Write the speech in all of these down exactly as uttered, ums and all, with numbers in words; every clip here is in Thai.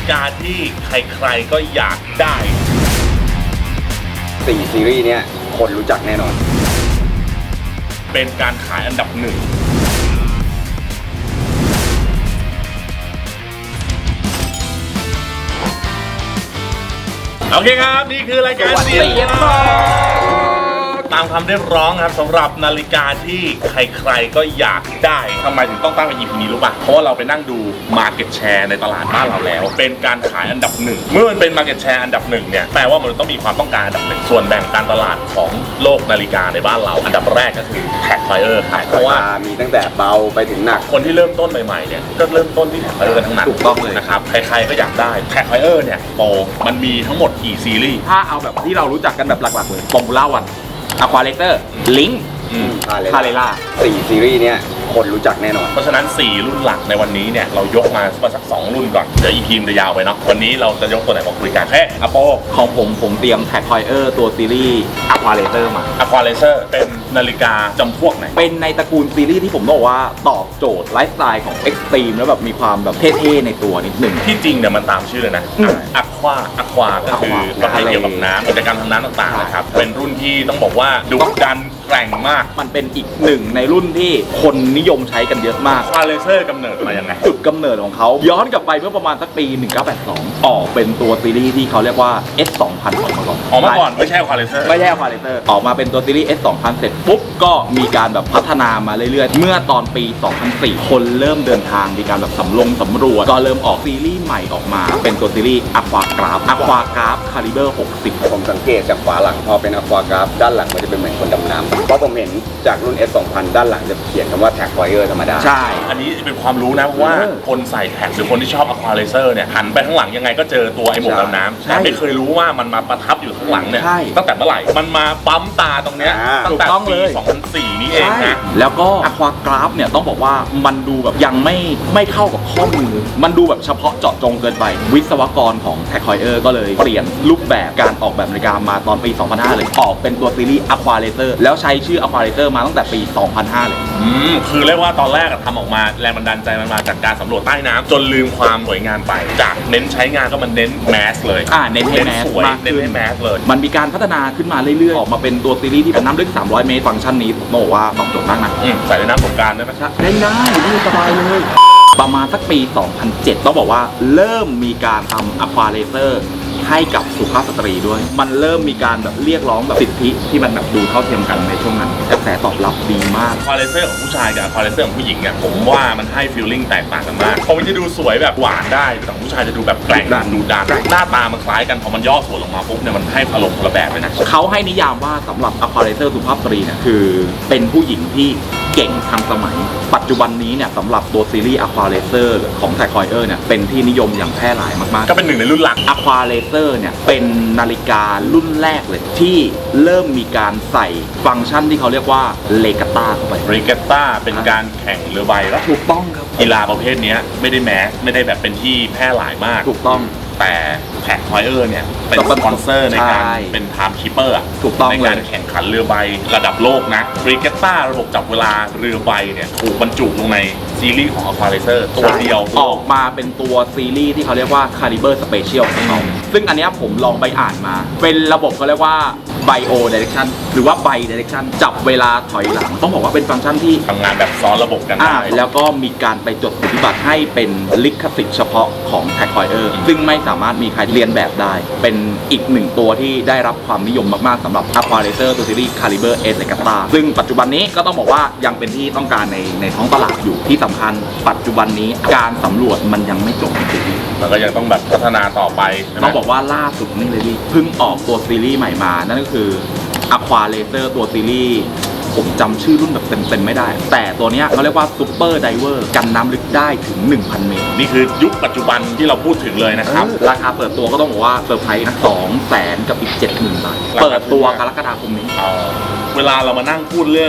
กาที่ใครๆก็อยากได้สี่ซีรีส์เนี้ยคนรู้จักแน่นอนเป็นการขายอันดับหนึ่งโอเคครับนี่คือรายการเสียงตามคำเรียกร้องครับสำหรับนาฬิกาที่ใครๆก็อยากได้ทำไมถึงต้องตั้งเป็น อี พี นี้รู้ป่ะเพราะว่าเราไปนั่งดู Market Share ในตลาดบ้านเราแล้วเป็นการขายอันดับหนึ่งเมื่อมันเป็น Market Share อันดับหนึ่งเนี่ยแปลว่ามันต้องมีความต้องการอันดับหนึ่งส่วนแบ่งการตลาดของโลกนาฬิกาในบ้านเราอันดับแรกก็คือ Tag Heuer ขายเพราะว่ามีตั้งแต่เบาไปถึงหนักคนที่เริ่มต้นใหม่ๆเนี่ยก็เริ่มต้นที่ Tag Heuer ทั้งนั้นถูกต้องเลยนะครับใครๆก็อยากได้ Tag Heuer เนี่ยโปมันมีทั้งหมดกี่ซีรีส์ถ้าเอาแบบที่เรารู้จักกันแบบหลักๆเลยฟอร์มูล่าวันอะควาเลเตอร์ลิงค์คาเรล่าสี่ซีรีส์เนี้ยคนรู้จักแน่นอนเพราะฉะนั้นสี่รุ่นหลักในวันนี้เนี่ยเรายกมาสักสองรุ่นก่อนเดี๋ยวอีพีมจะยาวไปเนาะวันนี้เราจะยกตัวไหนมาคุยกันแค่อโปของผมผมเตรียมแท็กไฮเออร์ตัวซีรีส์อะควาเลเตอร์มาอะควาเลเตอร์เป็นนาฬิกาจำพวกไหนเป็นในตระกูลซีรีส์ที่ผมบอกว่าตอบโจทย์ไลฟ์สไตล์ของเอ็กซ์ตรีมแล้วแบบมีความแบบเท่ๆในตัวนิดหนึ่งที่จริงเนี่ยมันตามชื่อเลยนะอะควาอะควาก็คือประเภทเกี่ยวกับน้ำกิจกรรมทางน้ำต่างๆนะครับเป็นรุ่นที่ต้องบอกว่าดุดันแกร่งมากมันเป็นอีกหนึ่งในรุ่นที่คนนิยมใช้กันเยอะมากควาเลเตอร์กำเนิดมายังไงจุดกำเนิดของเขาย้อนกลับไปเมื่อประมาณสักปีหนึ่งเก้าแปดสองออกเป็นตัวซีรีส์ที่เขาเรียกว่า เอส สองพัน ออกมาก่อนออกมาก่อนไม่ใช่ควาเลเตอร์ไม่ใช่ควาเลเตอร์ออกมาเป็นตัวซีรีส์ เอส สองพัน เสร็จปุ๊บก็มีการแบบพัฒนามาเรื่อยๆเมื่อตอนปีสองพันสี่คนเริ่มเดินทางมีการแบบสำรวจสำรวจก็เริ่มออกซีรีส์ใหม่ออกมาเป็นตัวซีรีส์อะควากราฟอะควากราฟคาลิเบอร์หกสิบผมสังเกตจากฝาหลังพอเป็นอะควากราฟด้านหลังมันจะเป็นเหมือนคนดำน้ำเพราะผมเห็นจากรุ่น เอส สองพัน ด้านหลังจะเขียนคำว่า Tag Heuer ธรรมดาใช่อันนี้เป็นความรู้นะเพราะว่าคนใส่แท็กหรือคนที่ชอบอะควาเลเตอร์เนี่ยหันไปข้างหลังยังไงก็เจอตัวไอ้หมวกดำน้ำแต่ไม่เคยรู้ว่ามันมาประทับอยู่ข้างหลังเนี่ยตั้งแต่เมื่อไหร่มันมาปั๊มตาตรงเนี้ยตั้งแต่ปีสองพันสี่นี่เองนะแล้วก็อะควากราฟเนี่ยต้องบอกว่ามันดูแบบยังไม่ไม่เข้ากับข้อมือมันดูแบบเฉพาะเจาะจงเกินไปวิศวกรของ Tag Heuer ก็เลยเปลี่ยนรูปแบบการออกแบบนาฬิกามาตอนปีสองพันห้าเลยออกเป็นตัวซีรีส์อะควาเลเตอร์แล้วใช้ชื่ออะควาเลเตอร์มาตั้งแต่ปีสองพันห้าเลยอืมคือเรียกว่าตอนแรกทำออกมาแรงบันดาลใจมันมาจากการสำรวจใต้น้ำจนลืมความสวยงามไปจากเน้นใช้งานก็มันเน้นแมสเลยอ่าเน้นให้แมสสวยเน้นให้แมสเลยมันมีการพัฒนาขึ้นมาเรื่อยๆออกมาเป็นตัวซีรีส์ที่เป็นน้ำลึกสามร้อยเมตรฟังก์ชันนี้ผมบอกว่าตอบโจทย์มากนะใส่ในน้ำสงกรานต์ได้ไหมได้ได้ได้สบายเลยประมาณสักปีสองพันเจ็ดต้องบอกว่าเริ่มมีการทำอะควาเลเตอร์ให้กับสุภาพสตรีด้วยมันเริ่มมีการแบบเรียกร้องแบบสิทธิที่มันแบบดูเท่าเทียมกันในช่วงนั้นกระแสตอบรับดีมากควาเลเตอร์ของผู้ชายกับควาเลเตอร์ของผู้หญิงเนี่ยผมว่ามันให้ฟีลลิ่งแตกต่างกันมากพอมันจะดูสวยแบบหวานได้แต่ของผู้ชายจะดูแบบแกร่งดูดันหน้าตามันคล้ายกันพอมันย่อส่วนลงมาปุ๊บเนี่ยมันให้อารมณ์คนละแบบเลยนะเขาให้นิยามว่าสำหรับอะควาเลเตอร์สุภาพสตรีเนี่ยคือเป็นผู้หญิงที่เก่งทันสมัยปัจจุบันนี้เนี่ยสำหรับตัวซีรีส์อะควาเลเตอร์ของ Tag Heuer เนี่ยเป็นที่นิยมอย่างแพร่หลายมากๆก็เป็นหนึ่งในรุ่นหลักอะควาเลเตอร์เนี่ยเป็นนาฬิการุ่นแรกเลยที่เริ่มมีการใส่ฟังก์ชันที่เขาเรียกว่าเลกาต้าเข้าไปเลกาต้าเป็นการแข่งเรือใบแล้วถูกต้องครับกีฬาประเภทนี้ไม่ได้แมสไม่ได้แบบเป็นที่แพร่หลายมากถูกต้องแต่แท็กไฮเออร์เนี่ยเป็นสปอนเซอร์ในการเป็นไทม์คีปเปอร์ถูกต้องในการแข่งขันเรือใบระดับโลกนะรีเกตต้าระบบจับเวลาเรือใบเนี่ยถูกบรรจุลงในซีรีส์ของ Aqualaser ตัวเดียวออกมาเป็นตัวซีรีส์ที่เขาเรียกว่า Caliber Special ของเขาซึ่งอันนี้ผมลองไปอ่านมาเป็นระบบเขาเรียกว่า Bio Direction หรือว่า Bi Direction จับเวลาถอยหลังต้องบอกว่าเป็นฟังก์ชันที่ทำงานแบบซ้อนระบบกันได้แล้วก็มีการไปจดสิทธิบัตรให้เป็นลิขสิทธิ์เฉพาะของ Tag Heuer ซึ่งไม่สามารถมีใครเรียนแบบได้เป็นอีกหนึ่งตัวที่ได้รับความนิยมมากๆสำหรับ Aqualaser ตัวซีรีส์ Caliber S Legata ซึ่งปัจจุบันนี้ก็ต้องบอกว่ายังเป็นที่ต้องการในในท้องตลาดอยู่ที่สำคัญปัจจุบันนี้การสำรวจมันยังไม่จบจริงๆแล้วก็ยังต้องแบบพัฒนาต่อไปต้องบอกว่าล่าสุดนี่เลยพี่เพิ่งออกตัวซีรีส์ใหม่มานั่นก็คือ Aqualaser ตัวซีรีส์ผมจำชื่อรุ่นแบบเต็มๆไม่ได้แต่ตัวนี้เขาเรียกว่า Super Diver กันน้ำลึกได้ถึง หนึ่งพัน เมตรนี่คือยุคปัจจุบันที่เราพูดถึงเลยนะครับราคาเปิดตัวก็ต้องบอกว่าเซอร์ไพรส์นะสองแสนกับอีก เจ็ดหมื่น บาทเปิดตัวกรกฎาคมนี้เวลาเรามานั่งพูดเรื่อง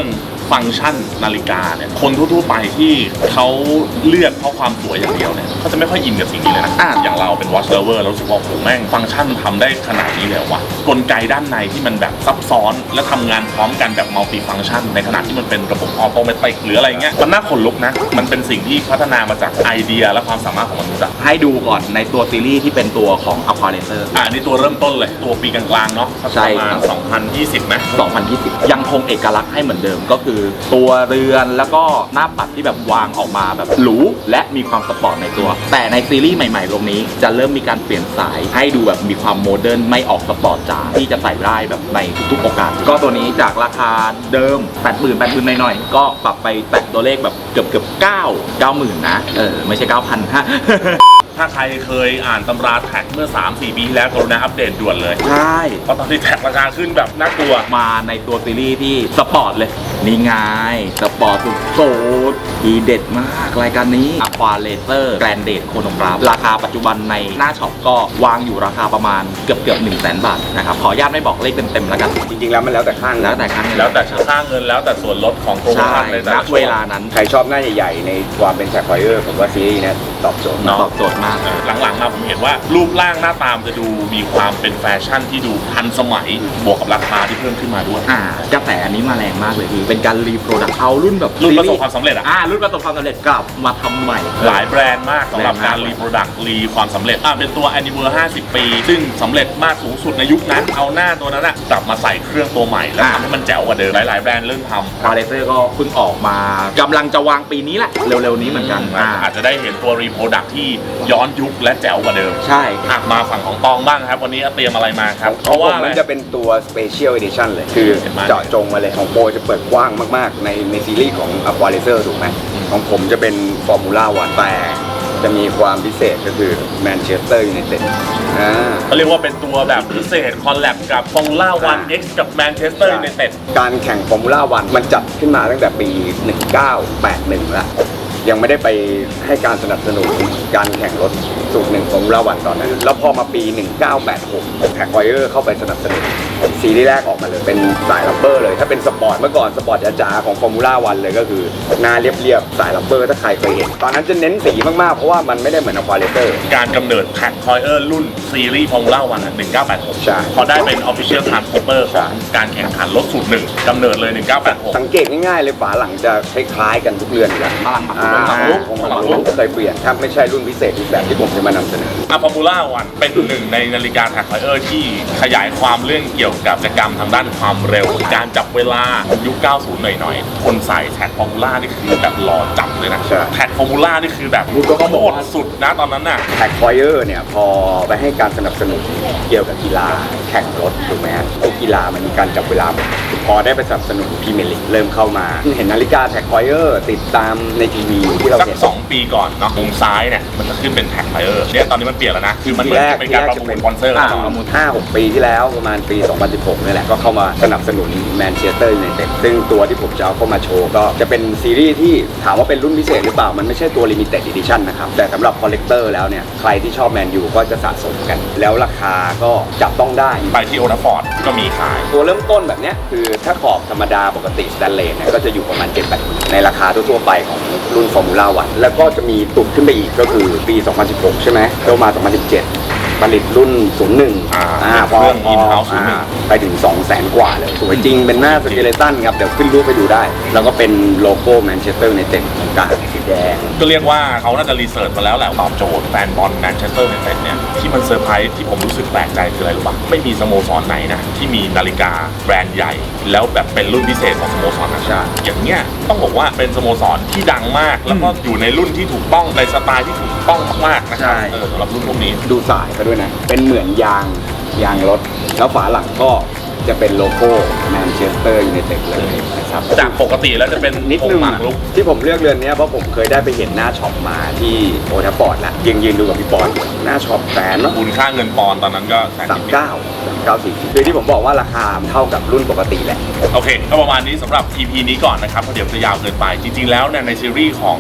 ฟังก์ชันนาฬิกาเนี่ยคนทั่วๆไปที่เขาเลือกเพราะความสวยอย่างเดียวเนี่ยเขาจะไม่ค่อยอินกับสิ่งนี้เลยนะอ่ะอย่างเราเป็น watch lover เรารู้สึกว่าโหแม่งฟังก์ชันทำได้ขนาดนี้เลยว่ะกลไกด้านในที่มันแบบซับซ้อนและทำงานพร้อมกันแบบมัลติฟังก์ชันในขณะที่มันเป็นระบบออโตเมติกหรืออะไรเงี้ยมันน่าขนลุกนะมันเป็นสิ่งที่พัฒนามาจากไอเดียและความสามารถของมนุษย์อะให้ดูก่อนในตัวซีรีส์ที่เป็นตัวของ Aqua Racer อ่านี่ตัวเริ่มต้นเลยตัวปีกลางๆเนาะสักใช่ประมาครัณบสองพันยี่สิบไหมสองพันยี่สิบยังคงเอกลักษณ์ให้เหมือนเดิมก็คือ ตัวเรือนแล้วก็หน้าปัดที่แบบวางออกมาแบบหรูและมีความสปอร์ตในตัว แต่ในซีรีส์ใหม่ๆตรงนี้จะเริ่มมีการเปลี่ยนสายให้ดูแบบมีความโมเดิร์นไม่ออกสปอร์ตจ๋าที่จะใส่ได้แบบในทุกๆโอกาสก็ตัวนี้จากราคาเดิม แปดหมื่น แปดหมื่นหน่อยๆก็ปรับไปแตะตัวเลขแบบเกือบเกือบเก้า เก้าหมื่นนะเออไม่ใช่ เก้าพัน ฮะถ้าใครเคยอ่านตำราแท็กเมื่อ สามสี่ ปีที่แล้วกรุณาอัปเดตด่วนเลยใช่เพราะตอนนี้แท็กราคาขึ้นแบบน่ากลัวมาในตัวซีรีส์ที่สปอร์ตเลย นี่ไงสปอร์ตสุดโสดทีเด็ดมากรายการนี้ Aqua Racer Grandate Chronograph ราคาปัจจุบันในหน้าช็อปก็วางอยู่ราคาประมาณเกือบเกือบหนึ่งแสนบาทนะครับ ขออนุญาตไม่บอกเลขเต็มๆแล้วกันจริงๆแล้วมันแล้วแต่ข้างแล้วแต่ครั้งแล้วแต่ค่าเงินแล้วแต่ส่วนลดของโปรโมใช่ชั่นในแต่ณละช่เวลานั้นใครชอบหน้าใหญ่ๆในความเป็นแท็กไฟเออร์ผมว่าซีรีส์เนี้ตอบโจทย์ตอบโจทย์มากเออหลังๆมาผมเห็นว่ารูปร่างหน้าตามจะดูมีความเป็นแฟชั่นที่ดูทันสมัยบวกกับราคาที่เพิ่มขึ้นมาด้วยอ่ากระแสอันนี้มาแรงมากเลยพี่เป็นการรีโปรดักต์เอารุ่นแบบรุ่นประสบความสำเร็จอะอ่ารุ่นประสบความสำเร็จกลับมาทำใหม่หลายแบรนด์มากสำหรับการแบรนด์มากรีโปรดักต์รีความสำเร็จอ่ะเป็นตัว Anniversary ห้าสิบ ปี ซึ่งสำเร็จมากสูงสุดในยุคนั้น เอาหน้าตัวนั้นอะกลับมาใส่เครื่องตัวใหม่ แล้วทำให้มันแจ๋วกว่าเดิมหลายๆแบรนด์เริ่มทำคาร์เรเซอร์ก็เพิ่งออกมากำลังจะวางปีนี้แหละเร็วๆนี้เหมือนกันอ่าอาจจะได้เห็นตัวรีโปรดักต์ที่ย้อนยุคและแจ๋วกว่าเดิมใช่อ่ะมาฝั่งของตองบ้างครับ วันนี้เตรียมอะไรมาครับ เพของราะผว่าม อะไรมันจะเป็นตัว Special Edition เลย คือเห็นไหมเจาะจงมาเลยของโปรจะเปิดกว้างมากๆ ในในซีรีส์ของ Aqua Racer ถูกไหมของผมจะเป็น Formula One แต่จะมีความพิเศษก็คือ Manchester United อ่าเขาเรียกว่าเป็นตัวแบบพิเศษคอลแลบกับ Formula วัน X กับ Manchester United การแข่ง Formula One มันจัดขึ้นมาตั้งแต่ปี หนึ่งเก้าแปดหนึ่ง แล้ว ยังไม่ได้ไปให้การสนับสนุนการแข่งรถสูตรหนึ่งของเราวันตอนนั้น แล้วพอมาปี หนึ่งเก้าแปดหก แท็กไวเออร์เข้าไปสนับสนุนซีรีส์แรกออกมาเลย เป็นสายลับเบอร์เลย ถ้าเป็นสปอร์ตเมื่อก่อนสปอร์ตจ๋าๆของฟอร์มูล่าวันเลยก็คือหน้าเรียบๆ สายลับเบอร์ถ้าใครเคยเห็น ตอนนั้นจะเน้นสีมากๆ เพราะว่ามันไม่ได้เหมือนอควาเลเตอร์การกำเนิดแท็กคอยเออร์รุ่นซีรีส์ Formula วันหนึ่งเก้าแปดหกใช่พอได้เป็น Official Transporter ใช่ของการแข่งขันรถสูตรหนึ่งกำเนิดเลย หนึ่งเก้าแปดหกสังเกตง่ายๆเลยฝาหลังจะคล้ายๆกันทุกเรือนอยู่แล้วฝรั่งมาอ่าฝรั่งลุกของฝรั่งลุกเคยเปลี่ยนถ้าไม่ใช่รุ่นพิเศษอีกแบบที่ผมจะมานำเสนออะฟอร์มูล่าวันเป็นหนึ่งในนาฬิกาแท็กไฟเออร์ที่ขยายความเรื่องเกี่ยวกับกิจกรรมทางด้านความเร็ว การจับเวลายุค เก้าสิบ หน่อยๆ คนใส่แท็กฟอร์มูล่านี่คือแบบหล่อจับเลยนะใช่แท็กฟอร์มูล่านี่คือแบบคุณก็ต้องบอกโคว่าตรสุดนะตอนนั้นน่ะแท็กไฟเออร์เนี่ยพอไปให้การสนับสนุนเกี่ยวกับกีฬาแข่งรถถูกไหมฮะทุกกีฬามันมีการจับเวลาหมดพอได้ไปสนับสนุนพรีเมียร์ลีกเริ่มเข้ามา เห็นนาฬิกาแท็กไฟเออร์ติดตามในทีวีที่เราสักเห็นสองปีก่อนเนาะมุมซ้ายเนี่ยมันจะขึ้นเป็นแท็กไฟเออร์เนี่ยตอนนี้มันเปลี่ยนแล้วนะ คือมันเหมือนจะเป็นการประมูลสปอนเซอร์อ่าแล้วประมูลห้าหกปีที่แล้วประมาณปี สองพันสิบหกนี่แหละก็เข้ามาสนับสนุนแมนเชสเตอร์ยูไนเต็ดซึ่งตัวที่ผมจะเอาเข้ามาโชว์ก็จะเป็นซีรีส์ที่ถามว่าเป็นรุ่นพิเศษหรือเปล่ามันไม่ใช่ตัว Limited Edition นะครับแต่สำหรับคอลเลกเตอร์แล้วเนี่ยใครที่ชอบแมนยูก็จะสะสมกัน แล้วราคาก็จับต้องได้ไปที่โอทัฟฟอร์ดก็มีขายตัวเริ่มต้นแบบเนี้ยคือถ้าขอบธรรมดาปกติสแตนเลสเนี่ยก็จะอยู่ประมาณ เจ็ดแปดหมื่นในราคาทั่วๆไปของรุ่นฟอร์มูล่าวันแล้วก็จะมีตุดขึ้นไปอีกก็คือปี สองพันสิบหก ใช่ไหมเข้ามา สองพันสิบเจ็ด ผลิตรุ่น ศูนย์หนึ่งอ่าอ่าพเครื่อง in-house ศูนย์หนึ่งอ่าไปถึง สองแสน กว่าเลยสวยจริงเป็นหน้าสเกเลตันครับ เดี๋ยวขึ้นรูปไปดูได้ แล้วก็เป็นโลโก้แมนเชสเตอร์ยูไนเต็ดตรงกลางสีแดงก็เรียกว่าเขาน่าจะรีเสิร์ชมาแล้วแหละตอบโจทย์แฟนบอลแมนเชสเตอร์ยูไนเต็ดเนี่ยที่มันเซอร์ไพรส์ที่ผมรู้สึกแปลกใจคืออะไรรู้ป่ะไม่มีสโมสรไหนนะที่มีนาฬิกาแบรนด์ใหญ่ แล้วแบบเป็นรุ่นพิเศษของสโมสรนั้นใช่อย่างเงี้ยต้องบอกว่าเป็นสโมสรที่ดังมาก แล้วก็อยู่ในรุ่นที่ถูกต้องในสไตล์ที่ถูกต้องมากๆนะครับใช่เออสำหรับรุ่นพวกนี้ดูสายเขาด้วยนะ เป็นเหมือนยางยางรถ แล้วฝาหลังก็จะเป็นโลโก้แมนเชสเตอร์ยูไนเต็ดเลยนะครับจากปกติแล้วจะเป็นนิดนึงหมากอะรุกที่ผมเลือกเรือนเนี้ยเพราะผมเคยได้ไปเห็นหน้าช็อปมาที่โอทัฟฟอร์ดแล้วยืนยืนดูกับพี่ปอนหน้าช็อปแสนเนาะมูลค่าเงินปอนด์ตอนนั้นก็แสนสามนิดเก้าสามเก้าสี่คือที่ผมบอกว่าราคาเท่ากับรุ่นปกติแหละๆโอเคก็ประมาณนี้สำหรับ อี พี นี้ก่อนนะครับเพราะเดี๋ยวจะยาวเกินไป จริงๆแล้วเนี่ยในซีรีส์ของ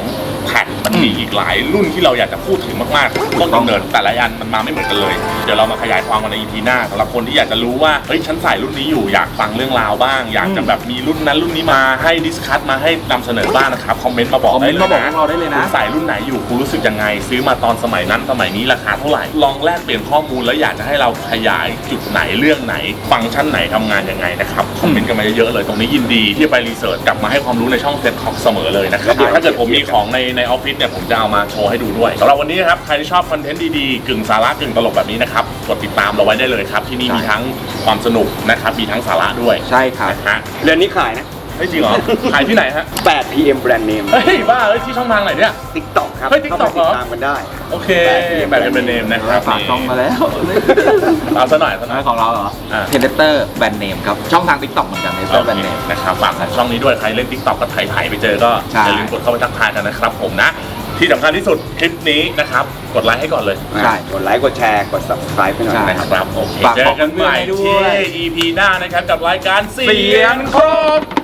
Compact มันมีอีกหลายรุ่นที่เราอยากจะพูดถึงมากๆต้นกำเนิดแต่ละอันมันมาไม่เหมือนกันเลยเดี๋ยวเรามาขยายความกันใน อี พี หน้าสำหรับคนที่อยากจะรู้ว่าเฮ้ยฉันใส่รุ่นนี้อยู่อยากฟังเรื่องราวบ้างอยากจะแบบมีรุ่นนั้นรุ่นนี้มาให้ดิสคัสมาให้นำเสนอบ้างนะครับคอมเมนต์มาบอกคอมเมได้นต์เลยมาบอกพวนะกเราได้เลยนะคุณใส่รุ่นไหนอยู่คุณรู้สึกยังไงซื้อมาตอนสมัยนั้นสมัยนี้ราคาเท่าไหร่ลองแลกเปลี่ยนข้อมูลแล้วอยากจะให้เราขยายจุดไหนเรื่องไหนฟังก์ชันไหนทำงานยังไงนะครับคอมเมนต์กันมาเยอะๆเลยตรงนี้ยินดีที่จะไปรีเสิร์ชกลับมาให้ความรู้ในช่องเซ็ตท็อกเสมอเลยนะครับถ้าเกิดผมมีของในในออฟฟิศเนี่ยผมจะเอามาโชว์ให้ดูด้วยสำหรับวันนี้นะครับใครที่ชอบคอนเทนต์ดีๆกึ่งสาระกึ่งตลกแบบนี้นะครับกดติดตามเราไว้ได้เลยครับที่นี่มีทั้งความสนุกนะครับมีทั้งสาระด้วยใช่ครับนะฮะเรือนนี้ขายนะเฮ้ยจริงเหรอ ขายที่ไหนฮะแปด พี เอ็ม Brand Name เฮ้ยบ้าเฮ้ยที่ช่องทางไหนเนี่ย TikTok ครับเฮ้ย TikTok ข้าไปเหรอติดตามกันได้โอเคแบบเป็นเนมนะครับฝากช่องมาแล้วเอาซะหน่อยซะหน่อยของเราเหรออ่าเทเลเตอร์แบรนด์เนมครับ ช่องทาง TikTok เหมือนกันเทเลเตอร์แบรนด์เนมนะครับฝากช่องนี้ด้วยใครเล่น TikTok ก็ถ่ายๆไปเจอก็ใช่อย่าลืมกดเข้าไปทักทายกันนะครับผมนะ ที่สำคัญที่สุดคลิปนี้นะครับกดไลค์ให้ก่อนเลยใช่กดไลค์ กดแชร์ กด Subscribe ให้หน่อยใช่นะครับนะครับโอเคฝากเจบออก กันใหม่เพื่อนๆให้ด้วยที่ อี พี หน้านะครับกับรายการเสีเสียยงงคครรบ